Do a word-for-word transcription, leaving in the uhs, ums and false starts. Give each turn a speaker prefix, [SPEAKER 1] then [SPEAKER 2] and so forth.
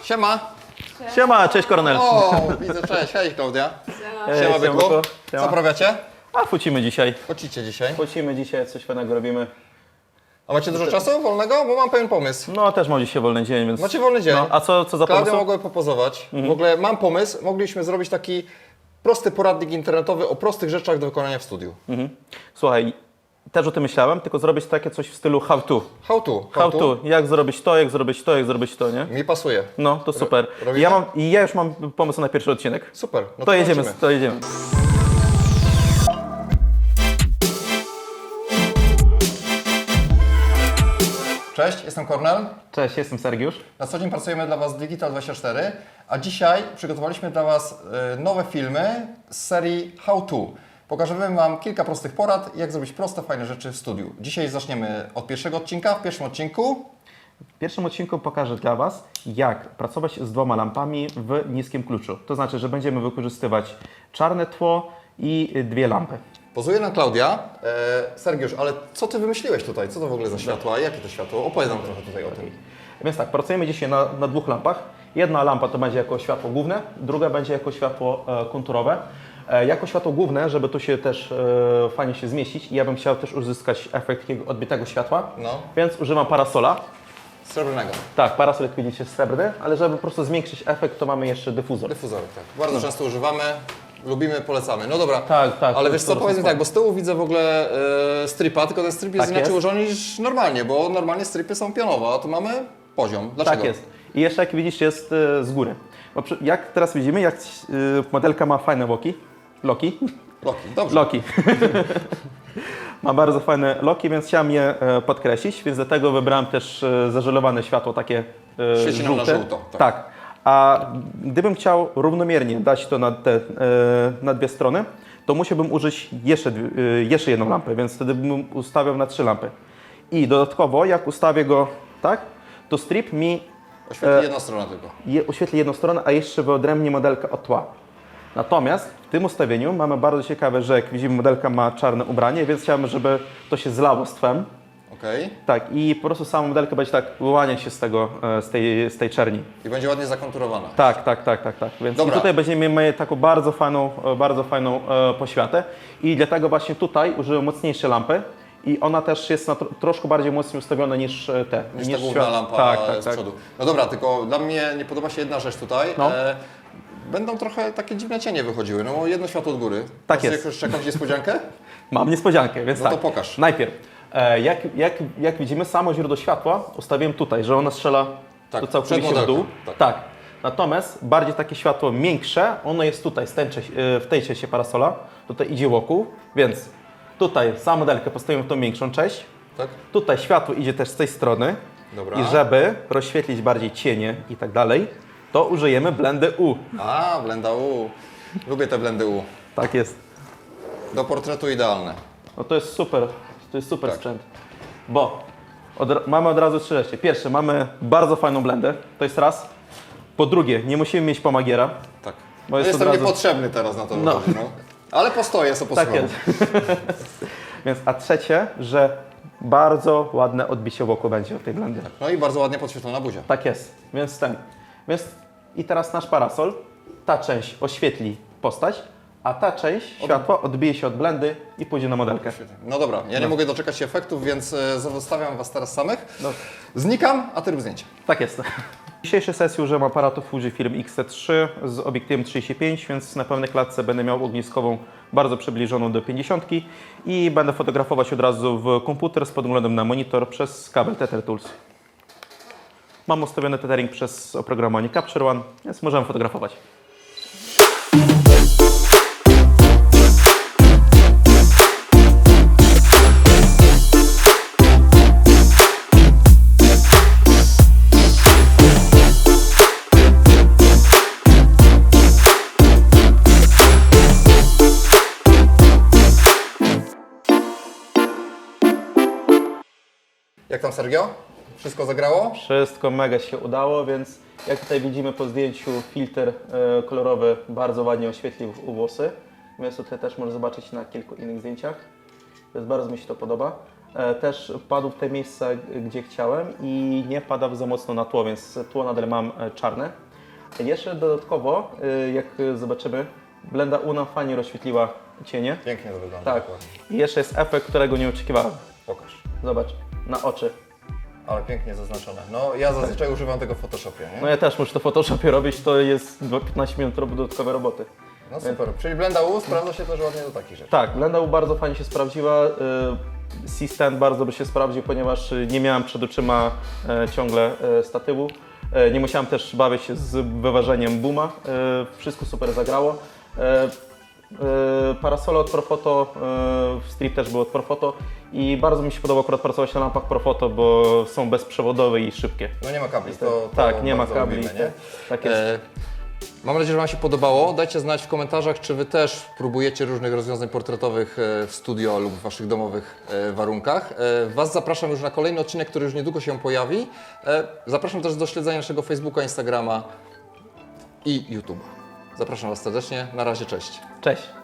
[SPEAKER 1] Siema.
[SPEAKER 2] Siema, cześć Kornel.
[SPEAKER 1] O, widzę, cześć, hej Klaudia.
[SPEAKER 2] Ej,
[SPEAKER 1] Siema Byku.
[SPEAKER 2] Byku.
[SPEAKER 1] Co
[SPEAKER 2] Siema.
[SPEAKER 1] prawiacie?
[SPEAKER 2] A focimy dzisiaj.
[SPEAKER 1] Pocicie dzisiaj.
[SPEAKER 2] Focimy dzisiaj, coś fajnego robimy.
[SPEAKER 1] A macie dużo czasu wolnego? Bo mam pewien pomysł.
[SPEAKER 2] No też mam dzisiaj wolny dzień, więc...
[SPEAKER 1] Macie wolny dzień.
[SPEAKER 2] No, a co, co za
[SPEAKER 1] Klaudia
[SPEAKER 2] pomysł?
[SPEAKER 1] mogłaby popozować. W ogóle mam pomysł, mogliśmy zrobić taki prosty poradnik internetowy o prostych rzeczach do wykonania w studiu.
[SPEAKER 2] Mhm. Słuchaj, też o tym myślałem, tylko zrobić takie coś w stylu how to.
[SPEAKER 1] How to.
[SPEAKER 2] How to. Jak zrobić to, jak zrobić to, jak zrobić to, nie?
[SPEAKER 1] Mi pasuje.
[SPEAKER 2] No, to super.
[SPEAKER 1] robicie?
[SPEAKER 2] Ja mam, I ja już mam pomysł na pierwszy odcinek.
[SPEAKER 1] Super. No
[SPEAKER 2] To jedziemy,
[SPEAKER 1] lecimy.
[SPEAKER 2] to jedziemy.
[SPEAKER 1] Cześć, jestem Kornel.
[SPEAKER 2] Cześć, jestem Sergiusz.
[SPEAKER 1] Na co dzień pracujemy dla Was w Digital dwadzieścia cztery, a dzisiaj przygotowaliśmy dla Was y, nowe filmy z serii How To. Pokażemy Wam kilka prostych porad, jak zrobić proste, fajne rzeczy w studiu. Dzisiaj zaczniemy od pierwszego odcinka. W pierwszym odcinku
[SPEAKER 2] W pierwszym odcinku pokażę dla Was, jak pracować z dwoma lampami w niskim kluczu. To znaczy, że będziemy wykorzystywać czarne tło i dwie lampy.
[SPEAKER 1] pozuje nam Klaudia. E, Sergiusz, ale co Ty wymyśliłeś tutaj? Co to w ogóle za światła? Jakie to światło? Opowiedz nam trochę tutaj o tym.
[SPEAKER 2] Więc tak, pracujemy dzisiaj na, na dwóch lampach. Jedna lampa to będzie jako światło główne, druga będzie jako światło e, konturowe. E, jako światło główne, żeby tu się też e, fajnie się zmieścić, ja bym chciał też uzyskać efekt takiego odbitego światła,
[SPEAKER 1] No.
[SPEAKER 2] więc używam parasola.
[SPEAKER 1] Srebrnego.
[SPEAKER 2] Tak, parasol jak widzicie jest srebrny, ale żeby po prostu zwiększyć efekt, to mamy jeszcze dyfuzor.
[SPEAKER 1] Dyfuzorek, tak. Bardzo często używamy, lubimy, polecamy. No dobra,
[SPEAKER 2] Tak, tak.
[SPEAKER 1] ale
[SPEAKER 2] to
[SPEAKER 1] wiesz co,
[SPEAKER 2] jest
[SPEAKER 1] powiedz mi
[SPEAKER 2] spoko.
[SPEAKER 1] tak, bo z tyłu widzę w ogóle e, stripa, tylko ten strip jest
[SPEAKER 2] Tak
[SPEAKER 1] inaczej
[SPEAKER 2] jest.
[SPEAKER 1] ułożony niż normalnie, bo normalnie stripy są pionowe, a tu mamy poziom. Dlaczego?
[SPEAKER 2] Tak jest. I jeszcze jak widzisz jest e, z góry. Bo przy, jak teraz widzimy, jak e, modelka ma fajne loki, loki,
[SPEAKER 1] Loki, dobrze.
[SPEAKER 2] loki. Ma bardzo fajne loki, więc chciałem je e, podkreślić, więc dlatego wybrałem też e, zażelowane światło takie e,
[SPEAKER 1] Świeci nam na
[SPEAKER 2] żółte.
[SPEAKER 1] żółto, tak.
[SPEAKER 2] Tak. A gdybym chciał równomiernie dać to na, te, e, na dwie strony, to musiałbym użyć jeszcze, dwie- e, jeszcze jedną lampę, więc wtedy bym ustawiał na trzy lampy. I dodatkowo, jak ustawię go tak, to strip mi
[SPEAKER 1] Oświetli
[SPEAKER 2] E,
[SPEAKER 1] jedna strona tylko.
[SPEAKER 2] je, oświetli jedną stronę, a jeszcze wyodrębni modelkę od tła. Natomiast w tym ustawieniu mamy bardzo ciekawe, że jak widzimy, modelka ma czarne ubranie, więc chciałbym, żeby to się zlało z tłem.
[SPEAKER 1] Okej.
[SPEAKER 2] Tak, i po prostu sama modelka będzie tak wyłaniać się z tego, e, z tej, z tej czerni.
[SPEAKER 1] I będzie ładnie zakonturowana.
[SPEAKER 2] Tak, tak, tak, tak, tak. Więc
[SPEAKER 1] Dobra.
[SPEAKER 2] i tutaj będziemy mieli taką bardzo fajną, e, bardzo fajną e, poświatę. I dlatego właśnie tutaj użyłem mocniejsze lampy. I ona też jest na tro, troszkę bardziej mocniej ustawiona niż e, te.
[SPEAKER 1] Niż ta główna
[SPEAKER 2] świat-
[SPEAKER 1] lampa
[SPEAKER 2] tak, tak,
[SPEAKER 1] z
[SPEAKER 2] tak.
[SPEAKER 1] przodu. No dobra, tylko dla mnie nie podoba się jedna rzecz tutaj.
[SPEAKER 2] No.
[SPEAKER 1] E, będą trochę takie dziwne cienie wychodziły, no bo jedno światło od góry.
[SPEAKER 2] Tak
[SPEAKER 1] Masz
[SPEAKER 2] jest.
[SPEAKER 1] Jakąś, jakąś niespodziankę?
[SPEAKER 2] Mam niespodziankę, więc
[SPEAKER 1] No
[SPEAKER 2] tak.
[SPEAKER 1] to pokaż.
[SPEAKER 2] Najpierw, e, jak, jak, jak widzimy, samo źródło światła ustawiłem tutaj, że ona strzela
[SPEAKER 1] Tak,
[SPEAKER 2] to całkowicie
[SPEAKER 1] przed
[SPEAKER 2] w dół.
[SPEAKER 1] modelką, tak.
[SPEAKER 2] Natomiast bardziej takie światło miększe, ono jest tutaj, z tej, w tej części parasola, tutaj idzie wokół, więc tutaj samą modelkę postawimy w tą większą część.
[SPEAKER 1] Tak?
[SPEAKER 2] Tutaj światło idzie też z tej strony.
[SPEAKER 1] Dobra.
[SPEAKER 2] I żeby rozświetlić bardziej cienie i tak dalej, to użyjemy blendy U.
[SPEAKER 1] A, blenda U. Lubię te blendy U.
[SPEAKER 2] Tak jest.
[SPEAKER 1] Do portretu idealne.
[SPEAKER 2] No to jest super, to jest super
[SPEAKER 1] Tak.
[SPEAKER 2] sprzęt. Bo od, mamy od razu trzy rzeczy. Pierwsze, mamy bardzo fajną blendę, to jest raz. Po drugie, nie musimy mieć pomagiera.
[SPEAKER 1] Tak.
[SPEAKER 2] Bo
[SPEAKER 1] No
[SPEAKER 2] jest
[SPEAKER 1] jestem
[SPEAKER 2] od razu-
[SPEAKER 1] niepotrzebny teraz na to
[SPEAKER 2] No.
[SPEAKER 1] wychodzi, no. Ale postoję, co
[SPEAKER 2] Tak
[SPEAKER 1] posłucham.
[SPEAKER 2] jest. Więc, a trzecie, że bardzo ładne odbicie wokół będzie od tej blendy.
[SPEAKER 1] No i bardzo ładnie podświetlona buzia.
[SPEAKER 2] Tak jest, więc ten. Więc i teraz nasz parasol, ta część oświetli postać, a ta część światła odbije się od blendy i pójdzie na modelkę.
[SPEAKER 1] No dobra, ja nie
[SPEAKER 2] No.
[SPEAKER 1] mogę doczekać się efektów, więc e, zostawiam Was teraz samych.
[SPEAKER 2] No.
[SPEAKER 1] Znikam, a Ty rób zdjęcie.
[SPEAKER 2] Tak jest. W dzisiejszej sesji użyłem aparatu Fujifilm X T trzy z obiektywem trzydzieści pięć, więc na pełnej klatce będę miał ogniskową bardzo przybliżoną do pięćdziesiątki i będę fotografować od razu w komputer z podglądem na monitor przez kabel Tether Tools. Mam ustawiony tethering przez oprogramowanie Capture One, więc możemy fotografować.
[SPEAKER 1] Jak tam, Sergio? Wszystko zagrało?
[SPEAKER 2] Wszystko mega się udało, więc jak tutaj widzimy po zdjęciu, filtr e, kolorowy bardzo ładnie oświetlił włosy. Więc tutaj też można zobaczyć na kilku innych zdjęciach. Więc bardzo mi się to podoba. e, też padł w te miejsca, gdzie chciałem i nie pada za mocno na tło, więc tło nadal mam e, czarne. Jeszcze dodatkowo, e, jak zobaczymy, blenda U nam fajnie rozświetliła cienie.
[SPEAKER 1] Pięknie to wygląda.
[SPEAKER 2] Tak.
[SPEAKER 1] Dokładnie.
[SPEAKER 2] I jeszcze jest efekt, którego nie oczekiwałem.
[SPEAKER 1] Pokaż.
[SPEAKER 2] Zobacz, na oczy.
[SPEAKER 1] Ale pięknie zaznaczone. No ja zazwyczaj używam tego w Photoshopie, nie?
[SPEAKER 2] No ja też muszę to w Photoshopie robić, to jest piętnaście minut rob- dodatkowej roboty.
[SPEAKER 1] No super. Czyli blenda U sprawdza się też ładnie do takich rzeczy.
[SPEAKER 2] Tak, blenda U bardzo fajnie się sprawdziła. C-stand bardzo by się sprawdził, ponieważ y, nie miałem przed oczyma e, ciągle e, statywu. E, Nie musiałem też bawić się z wyważeniem booma. E, Wszystko super zagrało. E, e, Parasole od Profoto, e, strip też był od Profoto i bardzo mi się podoba akurat pracować na lampach Profoto, bo są bezprzewodowe i szybkie.
[SPEAKER 1] No nie ma kabli, to, to
[SPEAKER 2] Tak, nie ma
[SPEAKER 1] bardzo
[SPEAKER 2] kabli.
[SPEAKER 1] lubimy, nie?
[SPEAKER 2] Tak jest.
[SPEAKER 1] E, Mam nadzieję, że Wam się podobało. Dajcie znać w komentarzach, czy Wy też próbujecie różnych rozwiązań portretowych e, w studio lub w Waszych domowych e, warunkach. E, Was zapraszam już na kolejny odcinek, który już niedługo się pojawi. E, Zapraszam też do śledzenia naszego Facebooka, Instagrama i YouTube'a. Zapraszam Was serdecznie. Na razie, cześć.
[SPEAKER 2] Cześć.